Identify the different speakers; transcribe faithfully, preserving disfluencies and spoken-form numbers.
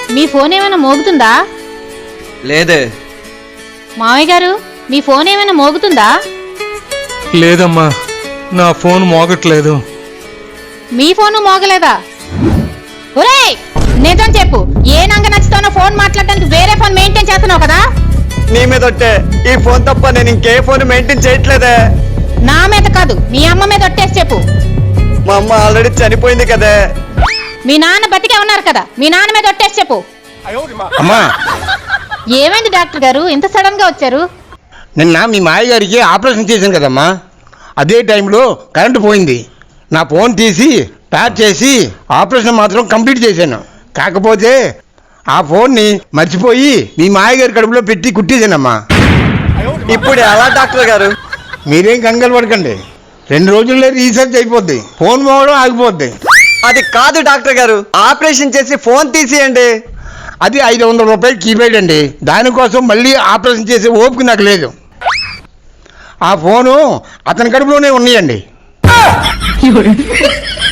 Speaker 1: మీ phone ఏమైనా మోగుతుందా?
Speaker 2: లేదే.
Speaker 1: మావయ్య గారు మీ ఫోన్ ఏమైనా మోగుతుందా?
Speaker 3: లేదమ్మా, నా ఫోన్ మోగట్లేదు.
Speaker 1: మీ ఫోను మోగలేదా? ఒరేయ్ నిజం చెప్పు, ఏ నంగ నచ్చుతానో ఫోన్ మాట్లాడడానికి వేరే ఫోన్ మెయింటైన్ చేస్తున్నావు కదా?
Speaker 2: నీ మీద ఒట్టే, ఈ ఫోన్ తప్ప నేను ఇంకే ఫోన్ మెయింటైన్ చేయట్లేదే.
Speaker 1: నా మీద కాదు, మీ అమ్మ మీద ఒట్టేసి చెప్పు.
Speaker 2: మా అమ్మ ఆల్రెడీ చనిపోయింది కదే.
Speaker 1: మీ నాన్న బతికే ఉన్నారు కదా, మీ నాన్న మీద ఒట్టేసి చెప్పు.
Speaker 4: అమ్మా,
Speaker 1: ఏమైంది డాక్టర్ గారు ఇంత సడన్ గా వచ్చారు?
Speaker 4: నిన్న మీ మాయ గారికి ఆపరేషన్ చేశాను కదమ్మా, అదే టైంలో కరెంటు పోయింది. నా ఫోన్ తీసి ప్యాక్ చేసి ఆపరేషన్ మాత్రం కంప్లీట్ చేశాను. కాకపోతే ఆ ఫోన్ని మర్చిపోయి మీ మాయగారి కడుపులో పెట్టి కుట్టేశానమ్మా.
Speaker 2: ఇప్పుడు ఎలా డాక్టర్ గారు?
Speaker 4: మీరేం కంగారు పడకండి, రెండు రోజుల్లో రీసెర్చ్ అయిపోద్ది, ఫోన్ పోవడం ఆగిపోద్ది.
Speaker 2: అది కాదు డాక్టర్ గారు, ఆపరేషన్ చేసి ఫోన్ తీసేయండి.
Speaker 4: అది ఐదు వందల రూపాయలు కీప్యాడ్ అండి, దానికోసం మళ్ళీ ఆపరేషన్ చేసే ఓపిక నాకు లేదు. ఆ ఫోను అతని కడుపులోనే ఉన్నాయండి.